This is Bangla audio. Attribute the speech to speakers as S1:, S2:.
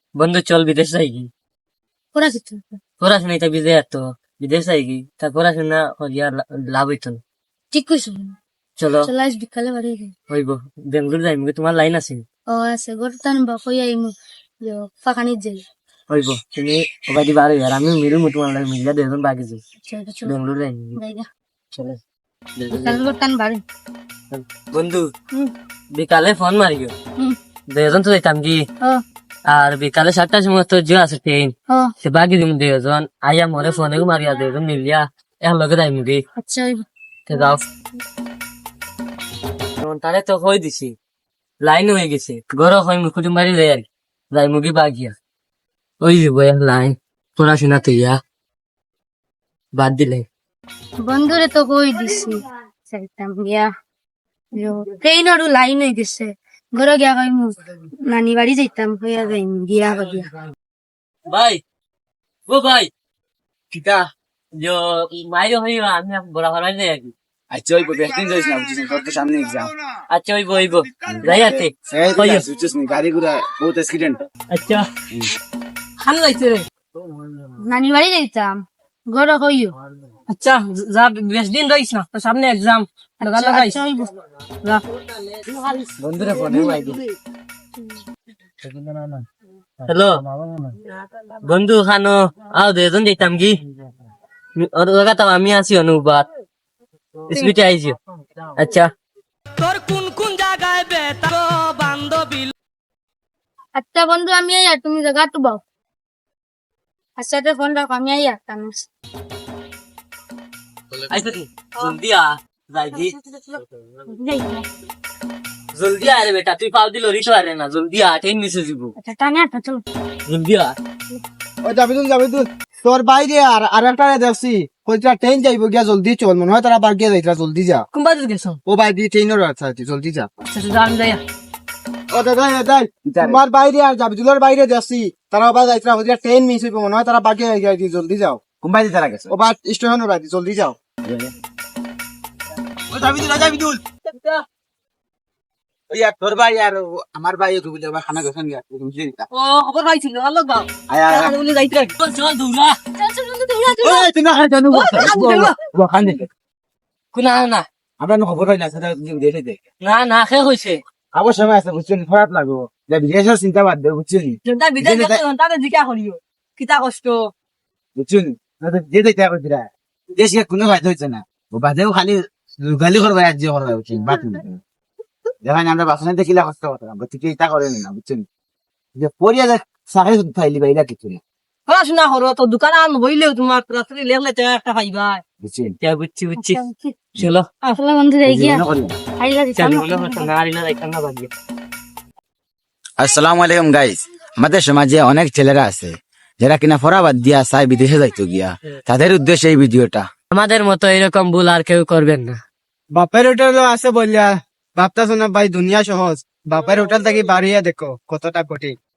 S1: বন্ধু চল বিদেশ যাই কি
S2: পড়াশোনা
S1: পড়াশোনা এটা বিদেশ তো বিদেশ যাই কি তার পড়াশোনা করিয়া লাভ হইতো না।
S2: ঠিক কইছো
S1: চলো
S2: চলো আজ বিকালে বাড়ি যাই
S1: হইব বেঙ্গলোর যাই তোমার লাইন আছে
S2: ও আছে গরতান বা কই আইমু ফাঁকানিত যাই
S1: হইব তুমি ওবাইদি বার হইয়ার আমি মিলু তোমার লাগে মিলিয়া দুজন বাকি যাই
S2: চলো চলো
S1: বেঙ্গলোর যাই
S2: যাই গা
S1: চলো
S2: বিকালে গরতান বাড়ি
S1: বন্ধু
S2: হুম
S1: বিকালে ফোন মারিও
S2: হুম
S1: দুজন তো যাইতাম কি
S2: ও
S1: আর বিকালে 7টার সময় তো যে আছে ট্রেন
S2: ও
S1: সে বাকি দিম দুজন আইয়া মরে ফোনে মারিয়া দুজন মিলিয়া এক লগে যাই মুগি
S2: আচ্ছা হইব
S1: তে যাও তারে তো হয়ে দিছি লাইন হয়ে গেছে গরো হয় মুখুটি মারি যায় আর যাই মুগি বাগিয়া ওই দিব লাইন পড়াশোনা তো ইয়া বাদ দিলে
S2: বন্ধুরে তো কই দিছি যাইতাম গিয়া ট্রেইনরও লাইন হয়ে গেছে ঘরে গিয়া কইমু নানি বাড়ি যাইতাম হইয়া যাইম গিয়া গিয়া
S1: ভাই ও ভাই কিটা जो মাইরো হইবা আমি বড় হরাই যাই আর
S3: আচ্ছা ওই বেস্টিং যাইস না বুঝছিস তোর তো সামনে এক্সাম
S1: আচ্ছা ওইব ওইব যাই আতে
S3: বুঝছিস নি গাড়ি ঘোড়া বহুত অ্যাক্সিডেন্ট
S1: আচ্ছা ভালো লাগছে রে
S2: নানি বাড়ি যাইতাম ঘরে কইও
S1: আচ্ছা যা বেশ দিন রইস না তোর সামনে এক্সাম লাগা লাগাইস
S2: আচ্ছা হইব
S1: যা বন্ধুরা ফোনে আইবো হ্যালো বন্ধু খানো আও দুজন যাইতাম কি ওর লগা তো আমি আছি অনুবাদ স্পিটে আইছি আচ্ছা তোর কোন কোন জায়গায় বেতা বান্ধবী
S2: আচ্ছা বন্ধু আমি আইয়া তুমি জায়গা তো বাও আচ্ছা তো ফোন রাখো আমি আইয়া তাম
S1: আইছো কি জলদি আ যাইজি
S2: যাই
S1: জলদি আ রে বেটা তুই পাও দিল রিতো আরে না জলদি আ ট্রেন মিস হয়ে যাবো
S2: আচ্ছা টানে আটা চলো
S1: জলদি আ
S4: ওই যাবি তুই তোর বাইরে আর একটা দেখছি কইটা ট্রেন যাইব গিয়া জলদি চল মনে হয় তারা বার গিয়া যাইতরা জলদি যা
S1: কোনবা দিকে গেছো
S4: ও বাই দিয়ে ট্রেনের আছে জলদি যা
S1: আচ্ছা যা আমি যাই
S4: ও দাদা তোমার বাইরে আর যাবি তুলোর বাইরে দেখছি তারা আবার যাইতরা হইয়া ট্রেন মিস হইব মনে হয় তারা বার গিয়া গিয়া জলদি যাও
S3: কোম্পানি তারা গেছে
S4: ও বা স্টেশনের বাইরে জলদি যাও
S3: ও যাবি দুল ওই আর তোর ভাই আর আমার ভাই একটু বুঝে আবার খানা গেছেন গিয়া বুঝলি
S1: ও খবর পাইছিল ভালো গাও
S3: আয় আয়
S1: আর বলে যাইতে চল দৌড়া
S2: চল চল বন্ধু দৌড়া দৌড়া
S3: ওই তুই না খাই জানো খান দে
S1: কোনা না
S3: আমরা না খবর হইলা সেটা দেখে দে
S1: না না খে হইছে
S3: আবার সময় আছে বুঝছেন খারাপ লাগবো যে বিদেশের চিন্তা বাদ দে বুঝছেন
S1: জনতা বিদেশ গেছে জনতা জিকা করিও কিতা কষ্ট
S3: বুঝছেন যে দেখতে হবে দিরা দেশে কোনো ফায়দা হইছে না ও বাদেও খালি গালি করবে আর যে করবে বুঝছেন বাত দেখেন আমরা বাসনে দেখিলা কষ্ট করতাম ঠিক এটা করেন না বুঝছেন যে পরিয়া সাহে ফাইলি বাইরা কিছু না
S1: পড়াশোনা করো তো দোকান আন বইলেও তোমার রাত্রি লেগলে তো একটা পাইবা
S3: বুঝছেন
S1: বুঝছি বুঝছি চলো
S2: আসলে বন্ধু যাই গিয়া
S3: মনে করি
S2: আইলা দিতাম
S1: চল মনে হচ্ছে না আরিনা দেখান না বাকি
S3: আসসালামু আলাইকুম গাইস আমাদের সমাজে অনেক ছেলেরা আছে যারা কিনা ফরাবাদ দিয়া চায় বিদেশে যাইতো গিয়া তাদের উদ্দেশ্যে এই ভিডিওটা
S1: আমাদের মতো এরকম ভুল আর কেউ করবেন না
S4: বাপের হোটেল আছে বললা ভাবতা শোনা ভাই দুনিয়া সহজ বাপের হোটেল থেকে বাড়িয়া দেখো কতটা কঠিন